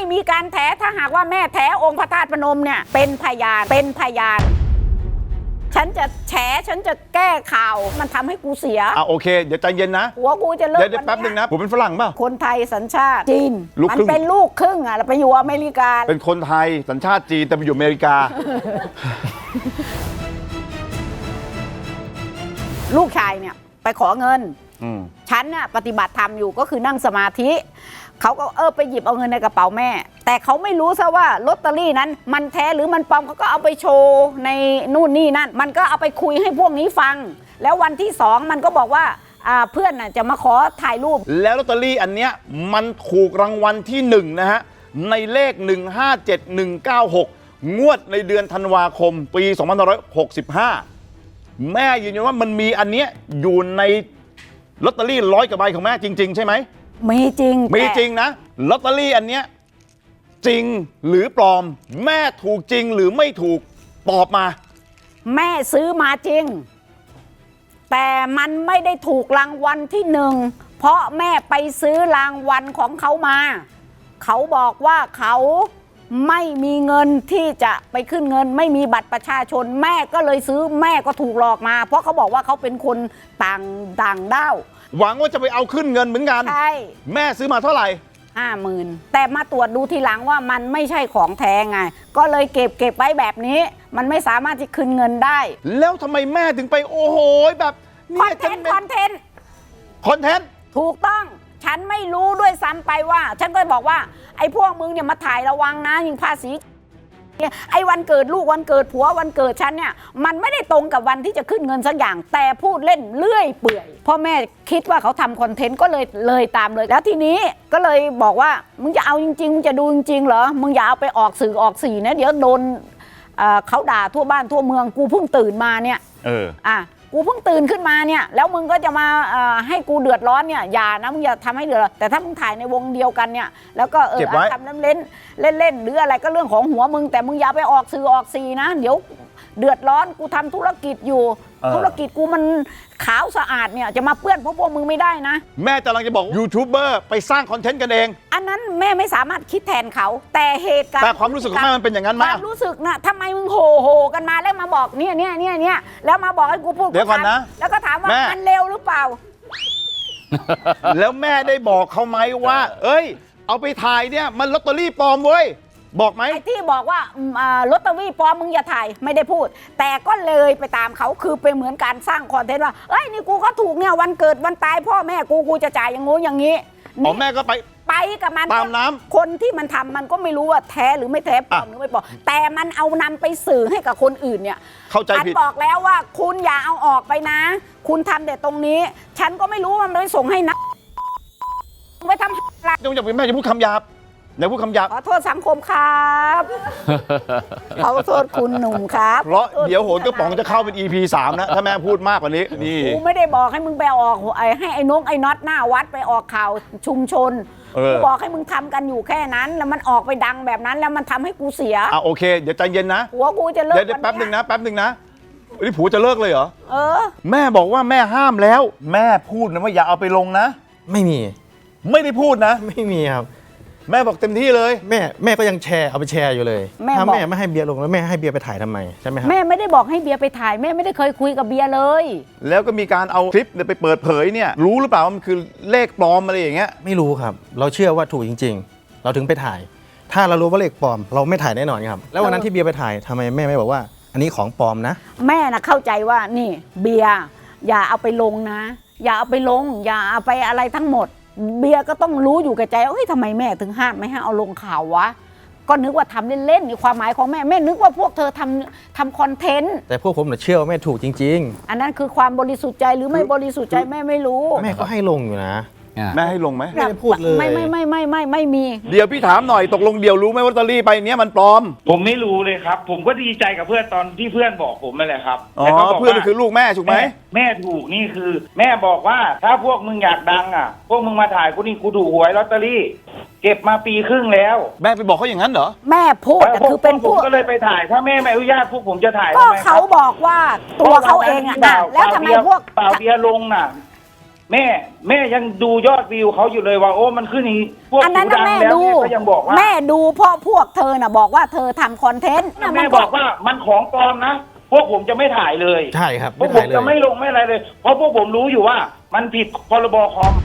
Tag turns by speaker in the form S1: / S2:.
S1: มีการแถถ้าหากว่าแม่แถองค์พระธาตุพนมเนี่ยเป็นพยานฉันจะแฉฉันจะแก้ข่าวมันทำให้กูเสีย
S2: โอเคเดี๋ยวใจเย็นนะ
S1: หัวกูจะเลิก
S2: เดี๋ยวแป๊บนึงนะผมเป็นฝรั่งเปล่า
S1: คนไทยสัญชาติจีนมันเป็นลูกครึ่งแล้วไปอยู่อเมริกา
S2: เป็นคนไทยสัญชาติจีนแต่ไปอยู่อเมริกา
S1: ลูกชายเนี่ยไปขอเงินฉันน่ะปฏิบัติธรรมอยู่ก็คือนั่งสมาธิเขาก็ไปหยิบเอาเงินในกระเป๋าแม่แต่เขาไม่รู้ซะว่าลอตเตอรี่นั้นมันแท้หรือมันปลอมเขาก็เอาไปโชว์ในนู่นนี่นั่นมันก็เอาไปคุยให้พวกนี้ฟังแล้ววันที่2มันก็บอกว่าเพื่อนน่ะจะมาขอถ่ายรูป
S2: แล้วลอตเตอรี่อันเนี้ยมันถูกรางวัลที่1นะฮะในเลข157196งวดในเดือนธันวาคมปี2565แม่ยืนยันว่ามันมีอันเนี้ยอยู่ในลอตเตอรี่100 กว่าใบของแม่จริงๆใช่ไหม
S1: มีจริง
S2: นะลอตเตอรี่อันเนี้ยจริงหรือปลอมแม่ถูกจริงหรือไม่ถูกตอบมา
S1: แม่ซื้อมาจริงแต่มันไม่ได้ถูกรางวัลที่1เพราะแม่ไปซื้อรางวัลของเขามาเขาบอกว่าเขาไม่มีเงินที่จะไปขึ้นเงินไม่มีบัตรประชาชนแม่ก็เลยซื้อแม่ก็ถูกหลอกมาเพราะเขาบอกว่าเขาเป็นคนต่างด้าว
S2: หวังว่าจะไปเอาขึ้นเงินเหมือนกัน
S1: ใช่
S2: แม่ซื้อมาเท่าไหร่
S1: 50,000แต่มาตรวจดูทีหลังว่ามันไม่ใช่ของแท้ไงก็เลยเก็บไว้แบบนี้มันไม่สามารถจะคืนเงินได้
S2: แล้วทำไมแม่ถึงไปโอ้โหแบบ
S1: คอนเทนต์ถูกต้องฉันไม่รู้ด้วยซ้ำไปว่าฉันก็บอกว่าไอ้พวกมึงเนี่ยมาถ่ายระวังนะยิงภาษีไอ้วันเกิดลูกวันเกิดผัววันเกิดฉันเนี่ยมันไม่ได้ตรงกับวันที่จะขึ้นเงินสักอย่างแต่พูดเล่นเลื่อยเปื่อยพ่อแม่คิดว่าเขาทำคอนเทนต์ก็เลยตามเลยแล้วทีนี้ก็เลยบอกว่ามึงจะเอาจริงๆมึงจะดูจริงๆเหรอมึงอย่าเอาไปออกสื่อออกสีนะเดี๋ยวโดนเขาด่าทั่วบ้านทั่วเมืองกูเพิ่งตื่นมาเนี่ยกูเพิ่งตื่นขึ้นมาเนี่ยแล้วมึงก็จะมาให้กูเดือดร้อนเนี่ยอย่านะมึงอย่าทำให้เดือดร้อนแต่ถ้ามึงถ่ายในวงเดียวกันเนี่ยแล้วก็ทำเล่นหรืออะไรก็เรื่องของหัวมึงแต่มึงอย่าไปออกสื่อออกสีนะเดี๋ยวเดือดร้อนกูทำธุรกิจอยู่ธุรกิจกูมันขาวสะอาดเนี่ยจะมาเปื้อนพวกมึงไม่ได้นะ
S2: แม่กำลังจะบอกยูทูบเบอร์ไปสร้างคอนเทนต์กันเอง
S1: อันนั้นแม่ไม่สามารถคิดแทนเขาแต่เหตุการณ์
S2: แต่ความรู้สึกของแม่มันเป็นอย่างนั้นไหม
S1: ความรู้สึกนะทำไมมึงโหกันมาแล้วมาบอกเนี่ยแล้วมาบอกให้กูพูด
S2: เดี๋ยวก่อนนะ
S1: แล้วก็ถามว่ามันเร็วหรือเปล่า
S2: แล้วแม่ได้บอกเขาไหมว่าเอ้ยเอาไปถ่ายเนี่ยมันลอตเตอรี่ปลอมเว้ยบอกไหม
S1: ไอ้ที่บอกว่าลอตเตอรี่ปลอมมึงอย่าถ่ายไม่ได้พูดแต่ก็เลยไปตามเขาคือเป็นเหมือนการสร้างคอนเทนต์ว่าเอ้ยนี่กูก็ถูกเนี่ยวันเกิดวันตายพ่อแม่กูจะจ่ายอย่างงู้อย่างนี้
S2: แม่ก็ไป
S1: กับมัน
S2: ตามน้ำ
S1: คนที่มันทำมันก็ไม่รู้ว่าแท้หรือไม่แท้ปลอมหรือไม่ปลอมแต่มันเอานำไปสื่อให้กับคนอื่นเนี่ย
S2: เข้าใจผิด
S1: บอกแล้วว่าคุณอย่าเอาออกไปนะคุณทำแต่ตรงนี้ฉันก็ไม่รู้ว่ามันไปส่งให้นะไปทำอะไร
S2: แม่จะพูดคำหยาบอย่าพูดคำหยาบ
S1: ขอโทษสังคมครับขอโทษคุณหนุ่มครับ
S2: เพราะเดี๋ยวโหนกระป๋องจะเข้าเป็น EP 3นะถ้าแม่พูดมากกว่านี้นี่
S1: กูไม่ได้บอกให้มึงไปออกให้ไอ้น้องไอ้น็อตหน้าวัดไปออกข่าวชุมชนกูบอกให้มึงทำกันอยู่แค่นั้นแล้วมันออกไปดังแบบนั้นแล้วมันทำให้กูเสีย
S2: โอเคเดี๋ยวใจเย็นนะ
S1: หัวกูจะเลิก
S2: เดี๋ยวแป๊บนึงนะนี่ผัวจะเลิกเลยเหรอแม่บอกว่าแม่ห้ามแล้วแม่พูดนะว่าอย่าเอาไปลงนะไม่ได้พูดนะ
S3: ไม่มีครับ
S2: แม่บอกเต็มที่เลย
S3: แม่ก็ยังเอาไปแชร์อยู่เลยถ้าแม่ไม่ให้เบียร์ลงแล้วแม่ให้เบียร์ไปถ่ายทำไมใช่ไหมครับ
S1: แม่ไม่ได้บอกให้เบียร์ไปถ่ายแม่ไม่ได้เคยคุยกับเบียร์เลย
S2: แล้วก็มีการเอาคลิปไปเปิดเผยเนี่ยรู้หรือเปล่าว่ามันคือเลขปลอมอะไรอย่างเงี้ย
S3: ไม่รู้ครับเราเชื่อว่าถูกจริงๆเราถึงไปถ่ายถ้าเรารู้ว่าเลขปลอมเราไม่ถ่ายแน่นอนครับแล้ววันนั้นที่เบียร์ไปถ่ายทำไมแม่ไม่บอกว่าอันนี้ของปลอมนะ
S1: แม่น่ะเข้าใจว่านี่เบียร์อย่าเอาไปลงนะอย่าเอาไปลงอย่าเอาไปอะไรทั้งหมดเบียร์ก็ต้องรู้อยู่กับใจว่าเฮ้ยทำไมแม่ถึงห้ามไม่ให้เอาลงข่าววะก็นึกว่าทำเล่นๆในความหมายของแม่นึกว่าพวกเธอทำคอนเทนต์
S3: แต่พวกผมเชื่อว่าแม่ถูกจริง
S1: ๆอันนั้นคือความบริสุทธิ์ใจหรือไม่บริสุทธิ์ใจแม่ไม่รู้
S3: แม่ก็ให้ลงอยู่นะ
S2: แม่ให้ลงไหม
S3: ไม่ได้พูดเลย
S1: ไม่มี
S2: เดี๋ยวพี่ถามหน่อยตกลงเดี๋ยวรู้ไหมว่าลอตเตอรี่ใบนี้มันปลอม
S4: ผมไม่รู้เลยครับผมก็ดีใจกับเพื่อนตอนที่เพื่อนบอกผมนั่นแหละครับ
S2: เพื่อนคือลูกแม่ถูกไหม
S4: แม่ถูกนี่คือแม่บอกว่าถ้าพวกมึงอยากดังพวกมึงมาถ่ายกูนี่กูถูกหวยลอตเตอรี่เก็บมาปีครึ่งแล้ว
S2: แม่ไปบอกเขาอย่างนั้นเหรอ
S1: แม่พูดคือเป็น
S4: ผมก็เลยไปถ่ายถ้าแม่ไม่อนุญาตพวกผมจะถ่าย
S1: ก็เขาบอกว่าตัวเขาเองนะแล้วทำไมพวก
S4: เปล่าเบียร์ลงน่ะแม่ยังดูยอดวิวเขาอยู่เลยว่าโอ้มันขึ้นอย่างนี้พวก
S1: อันนั้น
S4: ดั
S1: น่ะ
S4: ง
S1: แม่
S4: แล้ว
S1: ดู
S4: แม่ก็ยังบอกว่า
S1: แม่ดูเพราะพวกเธอน่ะบอกว่าเธอทำคอนเทนต์น่ะ
S4: แม่
S1: น
S4: บอกว่ามันของปลอมนะพวกผมจะไม่ถ่ายเลย
S3: ใช่ครับ
S4: พวกผ
S3: ถ่าม ยเลย
S4: จะไม่ลงไม่อะไรเลย เพราะพวกผมรู้อยู่ว่ามันผิดพรบคอม